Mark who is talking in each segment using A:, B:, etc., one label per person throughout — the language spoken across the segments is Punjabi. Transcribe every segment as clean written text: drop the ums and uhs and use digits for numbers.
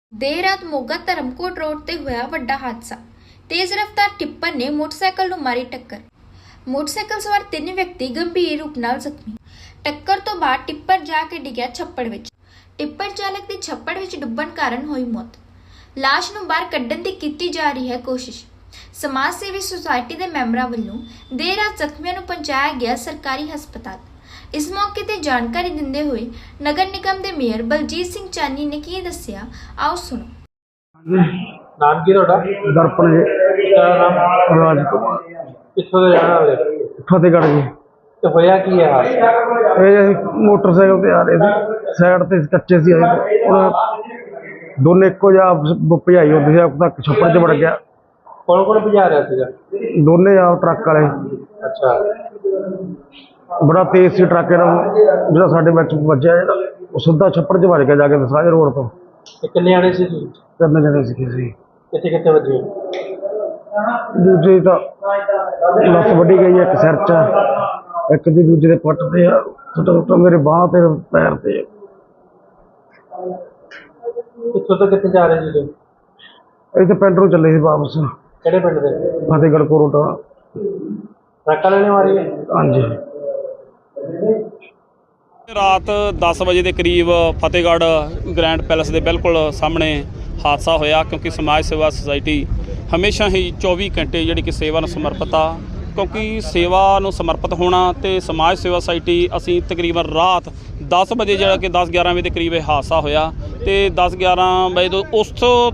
A: देर रात मोगा धर्मकोट रोड ते होया वड्डा हादसा। तेज रफ्तार टिप्पर ने मोटरसाइकिल नूं मारी टक्कर। मोटरसाइकिल सवार 3 व्यक्ति गंभीर रूप नाल जख्मी। टक्कर तो बाद टिप्पर जाके डिग्या छप्पड़ विच। टिप्पर चालक दी छप्पड़ विच डुੱਬਣ कारण होई मौत। लाश नूं बाहर कड्ढण दी कीती जा रही है कोशिश। समाज सेवी सोसाइटी दे मैंबरां वल्लों देर रात जख्मियां नूं पहुंचाया गया सरकारी हस्पताल। इस मौके ते जानकारी दिंदे हुए नगर निगम के मेयर बलजीत सिंह चानी ने की दस्सिया, आओ सुनो।
B: नाम की ਤੁਹਾਡਾ?
C: दर्पण जी।
B: क्या नाम?
C: राज कुमार।
B: कित्थों ਦੇ ਰਹਿਣ ਵਾਲੇ?
C: फतेहगढ़ जी।
B: ਤੇ ਹੋਇਆ ਕੀ ਹੈ ਹਾਦਸਾ?
C: ये मोटरसाइकिल पे आ रहे थे, साइड ते कच्चे सी आए थे और दोनों एको जा भजाई होती थी, तक छप्पड़ च वड़ गया।
B: कौन कौन ਭਜਾ ਰਿਹਾ ਸੀਗਾ?
C: दोनों आ ट्रक वाले।
B: अच्छा,
C: बड़ा तेज सी ट्रक जो साढ़े बच वजया वो सीधा छप्पड़ च वज गया जाके दसाज रोड तो।
B: ਤੇ ਕਿੰਨੇ ਆਣੇ ਸੀ ਤੁਸੀਂ?
C: 3 जने सी।
B: ਕਿੱਥੇ ਕਿੱਥੇ ਵੱਜੇ?
C: दूजे तो लत्त वड्डी गई, एक सिर च, एक दी दूजे दे पट ते छोटा छोटा मेरे बांह ते पैर ते।
B: ਕਿੱਥੋਂ ਤੋਂ ਕਿੱਥੇ ਜਾ ਰਹੇ ਸੀ ਤੁਸੀਂ?
C: इतने पिंड नूं चले सी वापस,
B: ਕਿਹੜੇ ਪਿੰਡ ਦੇ?
C: फतेहगढ़ कोरोटा।
B: ਟਰੱਕ ਵਾਲੇ ਨੇ ਮਾਰੀ ਹੈ?
C: हाँ जी।
D: ਰਾਤ 10 ਵਜੇ ਦੇ ਕਰੀਬ ਫਤਿਹਗੜ੍ਹ ਗ੍ਰੈਂਡ ਪੈਲੇਸ ਦੇ ਬਿਲਕੁਲ ਸਾਹਮਣੇ ਹਾਦਸਾ ਹੋਇਆ, ਕਿਉਂਕਿ ਸਮਾਜ ਸੇਵਾ ਸੁਸਾਇਟੀ ਹਮੇਸ਼ਾ ਹੀ 24 ਘੰਟੇ ਜਿਹੜੀ ਕਿ ਸੇਵਾ ਨੂੰ ਸਮਰਪਿਤ ਆ। ਕਿਉਂਕਿ ਸੇਵਾ ਨੂੰ ਸਮਰਪਿਤ ਹੋਣਾ ਤੇ ਸਮਾਜ ਸੇਵਾ ਸੁਸਾਇਟੀ ਅਸੀਂ ਤਕਰੀਬਨ ਰਾਤ 10 ਵਜੇ ਜਿਹੜਾ ਕਿ 10-11 ਵਜੇ ਦੇ ਕਰੀਬ ਇਹ ਹਾਦਸਾ ਹੋਇਆ ਤੇ 10-11 ਵਜੇ ਤੋਂ ਉਸ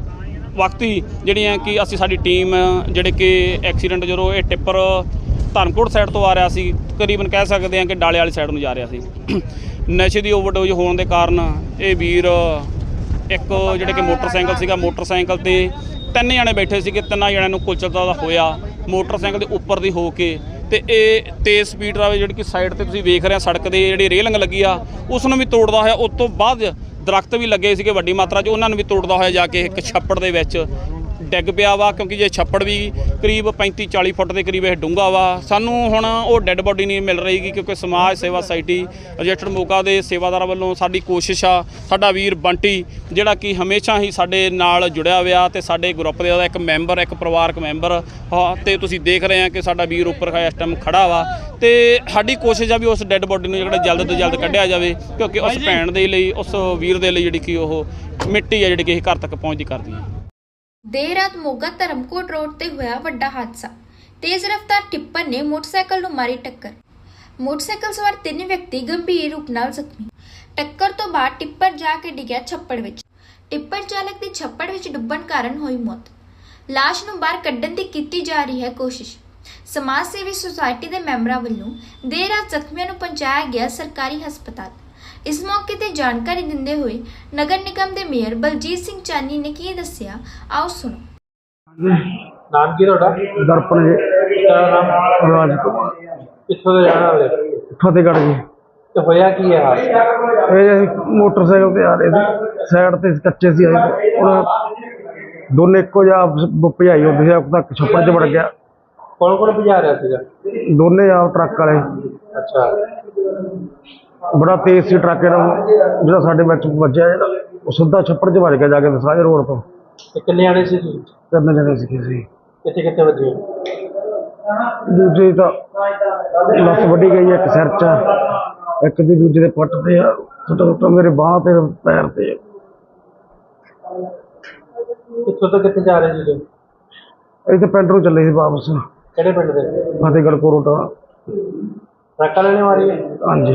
D: ਵਕਤ ਹੀ ਜਿਹੜੀਆਂ ਕਿ ਅਸੀਂ ਸਾਡੀ ਟੀਮ ਜਿਹੜੇ ਕਿ ਐਕਸੀਡੈਂਟ ਜਦੋਂ ਇਹ ਟਿੱਪਰ ਧਰਮਕੋਟ ਸਾਈਡ ਤੋਂ ਆ ਰਿਹਾ ਸੀ, ਤਕਰੀਬਨ ਕਹਿ ਸਕਦੇ ਹਾਂ ਕਿ ਡਾਲੇ ਵਾਲੀ ਸਾਈਡ ਨੂੰ ਜਾ ਰਿਹਾ ਸੀ। ਨਸ਼ੇ ਦੀ ਓਵਰਡੋਜ਼ ਹੋਣ ਦੇ ਕਾਰਨ ਇਹ ਵੀਰ ਇੱਕ ਜਿਹੜੇ ਕਿ ਮੋਟਰਸਾਈਕਲ ਸੀਗਾ, ਮੋਟਰਸਾਈਕਲ ਤੇ 3 ਜਣੇ ਬੈਠੇ ਸੀਗੇ, 3 ਜਣਿਆਂ ਨੂੰ ਕੁਚਲਤਾ ਦਾ ਹੋਇਆ ਮੋਟਰਸਾਈਕਲ ਦੇ ਉੱਪਰ ਦੀ ਹੋ ਕੇ। ਤੇ ਇਹ ਤੇਜ਼ ਸਪੀਡ ਰਾਵੇ ਜਿਹੜੀ ਕਿ ਸਾਈਡ ਤੇ ਤੁਸੀਂ ਵੇਖ ਰਹੇ ਆ ਸੜਕ ਦੇ ਜਿਹੜੀ ਰੇਲਿੰਗ ਲੱਗੀ ਆ ਉਸ ਨੂੰ ਵੀ ਤੋੜਦਾ ਹੋਇਆ। ਉਸ ਤੋਂ ਬਾਅਦ ਦਰਖਤ ਵੀ ਲੱਗੇ ਸੀਗੇ ਵੱਡੀ ਮਾਤਰਾ 'ਚ, ਉਹਨਾਂ ਨੂੰ ਵੀ ਤੋੜਦਾ ਹੋਇਆ ਜਾ ਕੇ ਇੱਕ ਛੱਪੜ ਦੇ ਵਿੱਚ ਡਿੱਗ ਪਿਆ ਵਾ। ਕਿਉਂਕਿ ਜੇ ਛੱਪੜ ਵੀ ਕਰੀਬ 35-40 ਫੁੱਟ ਦੇ ਕਰੀਬ ਇਹ ਡੂੰਘਾ ਵਾ। ਸਾਨੂੰ ਹੁਣ ਉਹ ਡੈੱਡ ਬੋਡੀ ਨਹੀਂ ਮਿਲ ਰਹੀਗੀ, ਕਿਉਂਕਿ ਸਮਾਜ ਸੇਵਾ ਸੁਸਾਇਟੀ ਰਜਿਸਟਰਡ ਮੋਗਾ ਦੇ ਸੇਵਾਦਾਰਾਂ ਵੱਲੋਂ ਸਾਡੀ ਕੋਸ਼ਿਸ਼ ਆ, ਸਾਡਾ ਵੀਰ ਬੰਟੀ ਜਿਹੜਾ ਕਿ ਹਮੇਸ਼ਾ ਹੀ ਸਾਡੇ ਨਾਲ ਜੁੜਿਆ ਹੋਇਆ ਤੇ ਸਾਡੇ ਗਰੁੱਪ ਦੇ ਉਹਦਾ ਇੱਕ ਮੈਂਬਰ, ਇੱਕ ਪਰਿਵਾਰਕ ਮੈਂਬਰ ਤੇ ਤੁਸੀਂ ਦੇਖ ਰਹੇ ਆ ਕਿ ਸਾਡਾ ਵੀਰ ਉੱਪਰ ਇਸ ਟਾਈਮ ਖੜਾ ਵਾ। ਤੇ ਸਾਡੀ ਕੋਸ਼ਿਸ਼ ਆ ਵੀ ਉਸ ਡੈੱਡ ਬੋਡੀ ਨੂੰ ਜਿਹੜਾ ਜਲਦ ਤੋਂ ਜਲਦ ਕੱਢਿਆ ਜਾਵੇ, ਕਿਉਂਕਿ ਉਸ ਭੈਣ ਦੇ ਲਈ, ਉਸ ਵੀਰ ਦੇ ਲਈ ਜਿਹੜੀ ਕਿ ਉਹ ਮਿੱਟੀ ਆ ਜਿਹੜੀ ਕਿ ਇਹ ਘਰ ਤੱਕ ਪਹੁੰਚਦੀ ਕਰਦੀ ਹੈ।
A: देर रात मोगा धर्मकोट रोड ते होया वड्डा हादसा। तेज रफ्तार टिप्पर ने मोटरसाइकिल नूं मारी टक्कर। मोटरसाइकिल सवार 3 व्यक्ति गंभीर रूप नाल जख्मी। टक्कर तो बाद टिप्पर जाके डिग्या छप्पड़ विच। टिप्पर चालक दी छप्पड़ विच डुੱਬਣ कारण होई मौत। लाश नूं बाहर कड्ढण दी कीती जा रही है कोशिश। समाज सेवी सोसाइटी दे मैंबरां वल्लों देर रात जख्मियां नूं पहुंचाया गया सरकारी हस्पताल। इस मौके ते जानकारी दिंदे हुए नगर निगम के मेयर बलजीत सिंह चानी ने की दस्सिया, आओ सुनो।
B: ਨਾਮ ਕੀ ਤੁਹਾਡਾ?
C: दर्पण जी।
B: क्या नाम?
C: राज कुमार।
B: ਕਿੱਥੋਂ ਦੇ ਰਹਿਣ ਵਾਲੇ?
C: फतेहगढ़ जी।
B: ਤੇ ਹੋਇਆ ਕੀ ਹੈ ਹਾਦਸਾ?
C: ये मोटरसाइकिल पे आ रहे थे, साइड ते कच्चे सी आए थे और दोनों एको जा भजाई होती थी, तक छप्पड़ च वड़ गया।
B: ਕੌਣ ਕੌਣ ਭਜਾ ਰਿਹਾ ਸੀਗਾ?
C: दोनों आ ट्रक वाले।
B: अच्छा,
C: बड़ा तेज सी ट्रक जो साढ़े बच वजया वो सीधा छप्पड़ च वज गया जाके दसाज रोड तो।
B: ਤੇ ਕਿੰਨੇ ਆਣੇ ਸੀ ਤੁਸੀਂ?
C: 3 जने सी।
B: ਕਿੱਥੇ ਕਿੱਥੇ ਵੱਜੇ?
C: दूजे तो लत्त वड्डी गई, एक सिर च, एक दी दूजे दे पट ते छोटा छोटा मेरे बांह ते पैर ते।
B: ਕਿੱਥੋਂ ਤੋਂ ਕਿੱਥੇ ਜਾ ਰਹੇ ਸੀ ਤੁਸੀਂ?
C: इतने पिंड नूं चले सी वापस,
B: ਕਿਹੜੇ ਪਿੰਡ ਦੇ?
C: फतेहगढ़ कोरोटा।
B: ਟਰੱਕ ਵਾਲੇ ਨੇ ਮਾਰੀ ਹੈ?
C: हाँ जी।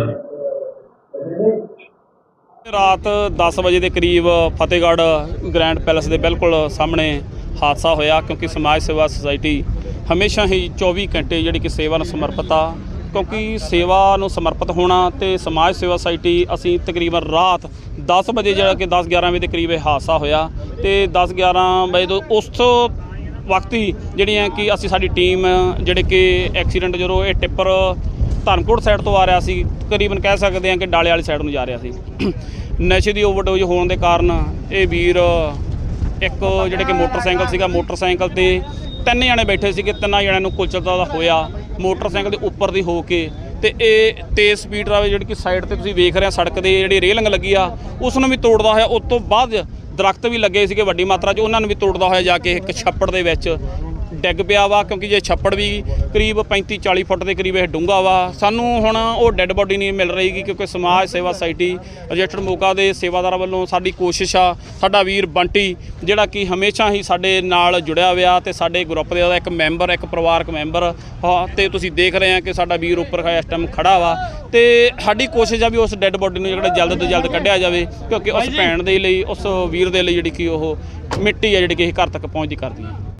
D: ਰਾਤ 10 ਵਜੇ ਦੇ ਕਰੀਬ ਫਤਿਹਗੜ੍ਹ ਗ੍ਰੈਂਡ ਪੈਲੇਸ ਦੇ ਬਿਲਕੁਲ ਸਾਹਮਣੇ ਹਾਦਸਾ ਹੋਇਆ, ਕਿਉਂਕਿ ਸਮਾਜ ਸੇਵਾ ਸੁਸਾਇਟੀ ਹਮੇਸ਼ਾ ਹੀ 24 ਘੰਟੇ ਜਿਹੜੀ ਕਿ ਸੇਵਾ ਨੂੰ ਸਮਰਪਿਤ ਆ। ਕਿਉਂਕਿ ਸੇਵਾ ਨੂੰ ਸਮਰਪਿਤ ਹੋਣਾ ਤੇ ਸਮਾਜ ਸੇਵਾ ਸੁਸਾਇਟੀ ਅਸੀਂ ਤਕਰੀਬਨ ਰਾਤ 10 ਵਜੇ ਜਿਹੜਾ ਕਿ 10-11 ਵਜੇ ਦੇ ਕਰੀਬ ਇਹ ਹਾਦਸਾ ਹੋਇਆ ਤੇ 10-11 ਵਜੇ ਤੋਂ ਉਸ ਵਕਤ ਹੀ ਜਿਹੜੀਆਂ ਕਿ ਅਸੀਂ ਸਾਡੀ ਟੀਮ ਜਿਹੜੇ ਕਿ ਐਕਸੀਡੈਂਟ ਜਦੋਂ ਇਹ ਟਿੱਪਰ ਧਰਮਕੋਟ ਸਾਈਡ ਤੋਂ ਆ ਰਿਹਾ ਸੀ, ਤਕਰੀਬਨ ਕਹਿ ਸਕਦੇ ਹਾਂ ਕਿ ਡਾਲੇ ਵਾਲੀ ਸਾਈਡ ਨੂੰ ਜਾ ਰਿਹਾ ਸੀ। ਨਸ਼ੇ ਦੀ ਓਵਰਡੋਜ਼ ਹੋਣ ਦੇ ਕਾਰਨ ਇਹ ਵੀਰ ਇੱਕ ਜਿਹੜੇ ਕਿ ਮੋਟਰਸਾਈਕਲ ਸੀਗਾ, ਮੋਟਰਸਾਈਕਲ ਤੇ 3 ਜਣੇ ਬੈਠੇ ਸੀਗੇ, 3 ਜਣਿਆਂ ਨੂੰ ਕੁਚਲਤਾ ਦਾ ਹੋਇਆ ਮੋਟਰਸਾਈਕਲ ਦੇ ਉੱਪਰ ਦੀ ਹੋ ਕੇ। ਤੇ ਇਹ ਤੇਜ਼ ਸਪੀਡ ਰਾਵੇ ਜਿਹੜੀ ਕਿ ਸਾਈਡ ਤੇ ਤੁਸੀਂ ਵੇਖ ਰਹੇ ਆ ਸੜਕ ਦੇ ਜਿਹੜੀ ਰੇਲਿੰਗ ਲੱਗੀ ਆ ਉਸ ਨੂੰ ਵੀ ਤੋੜਦਾ ਹੋਇਆ। ਉਸ ਤੋਂ ਬਾਅਦ ਦਰਖਤ ਵੀ ਲੱਗੇ ਸੀਗੇ ਵੱਡੀ ਮਾਤਰਾ 'ਚ, ਉਹਨਾਂ ਨੂੰ ਵੀ ਤੋੜਦਾ ਹੋਇਆ ਜਾ ਕੇ ਇੱਕ ਛੱਪੜ ਦੇ ਵਿੱਚ ਡਿੱਗ ਪਿਆ ਵਾ, ਕਿਉਂਕਿ ਜੇ ਛੱਪੜ ਵੀ ਕਰੀਬ 35-40 ਫੁੱਟ ਦੇ ਕਰੀਬ ਇਹ ਡੂੰਘਾ ਵਾ। ਸਾਨੂੰ ਹੁਣ ਉਹ ਡੈੱਡ ਬੋਡੀ ਨਹੀਂ ਮਿਲ ਰਹੀਗੀ, ਕਿਉਂਕਿ ਸਮਾਜ ਸੇਵਾ ਸੁਸਾਇਟੀ ਰਜਿਸਟਰਡ ਮੋਗਾ ਦੇ ਸੇਵਾਦਾਰਾਂ ਵੱਲੋਂ ਸਾਡੀ ਕੋਸ਼ਿਸ਼ ਆ, ਸਾਡਾ ਵੀਰ ਬੰਟੀ ਜਿਹੜਾ ਕਿ ਹਮੇਸ਼ਾ ਹੀ ਸਾਡੇ ਨਾਲ ਜੁੜਿਆ ਹੋਇਆ ਤੇ ਸਾਡੇ ਗਰੁੱਪ ਦੇ ਇੱਕ ਮੈਂਬਰ, ਇੱਕ ਪਰਿਵਾਰਕ ਮੈਂਬਰ, ਤੇ ਤੁਸੀਂ ਦੇਖ ਰਹੇ ਆ ਕਿ ਸਾਡਾ ਵੀਰ ਉੱਪਰ ਇਸ ਟਾਈਮ ਖੜਾ ਵਾ, ਤੇ ਸਾਡੀ ਕੋਸ਼ਿਸ਼ ਆ ਵੀ ਉਸ ਡੈੱਡ ਬੋਡੀ ਨੂੰ ਜਿਹੜਾ ਜਲਦ ਤੋਂ ਜਲਦ ਕੱਢਿਆ ਜਾਵੇ, ਕਿਉਂਕਿ ਉਸ ਭੈਣ ਦੇ ਲਈ, ਉਸ ਵੀਰ ਦੇ ਲਈ ਜਿਹੜੀ ਕਿ ਉਹ ਮਿੱਟੀ ਆ ਜਿਹੜੀ ਕਿ ਇਹ ਘਰ ਤੱਕ ਪਹੁੰਚਦੀ ਕਰਦੀ ਹੈ।